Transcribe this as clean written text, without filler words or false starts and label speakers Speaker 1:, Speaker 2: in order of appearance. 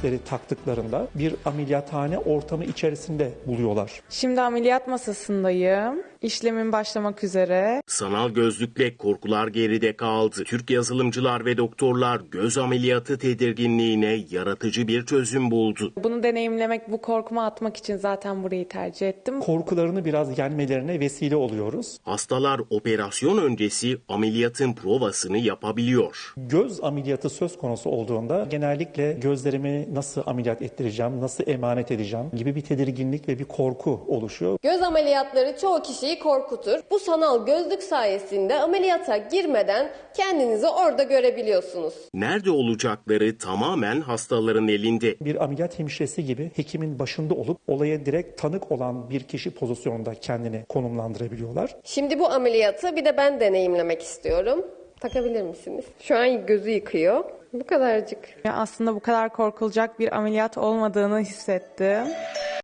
Speaker 1: gözlükleri taktıklarında bir ameliyathane ortamı içerisinde buluyorlar.
Speaker 2: Şimdi ameliyat masasındayım. İşlemin başlamak üzere.
Speaker 3: Sanal gözlükle korkular geride kaldı. Türk yazılımcılar ve doktorlar göz ameliyatı tedirginliğine yaratıcı bir çözüm buldu.
Speaker 2: Bunu deneyimlemek, bu korkumu atmak için zaten burayı tercih ettim.
Speaker 1: Korkularını biraz yenmelerine vesile oluyoruz.
Speaker 3: Hastalar operasyon öncesi ameliyatın provasını yapabiliyor.
Speaker 1: Göz ameliyatı söz konusu olduğunda genellikle gözlerimi nasıl ameliyat ettireceğim, nasıl emanet edeceğim gibi bir tedirginlik ve bir korku oluşuyor.
Speaker 4: Göz ameliyatları çoğu kişiyi korkutur. Bu sanal gözlük sayesinde ameliyata girmeden kendinizi orada görebiliyorsunuz.
Speaker 3: Nerede olacakları tamamen hastaların elinde.
Speaker 1: Bir ameliyat hemşiresi gibi hekimin başında olup olaya direkt tanık olan bir kişi pozisyonunda kendini konumlandırabiliyorlar.
Speaker 4: Şimdi bu ameliyatı bir de ben deneyimlemek istiyorum. Takabilir misiniz? Şu an gözü yıkıyor. Bu kadarcık.
Speaker 2: Aslında bu kadar korkulacak bir ameliyat olmadığını hissettim.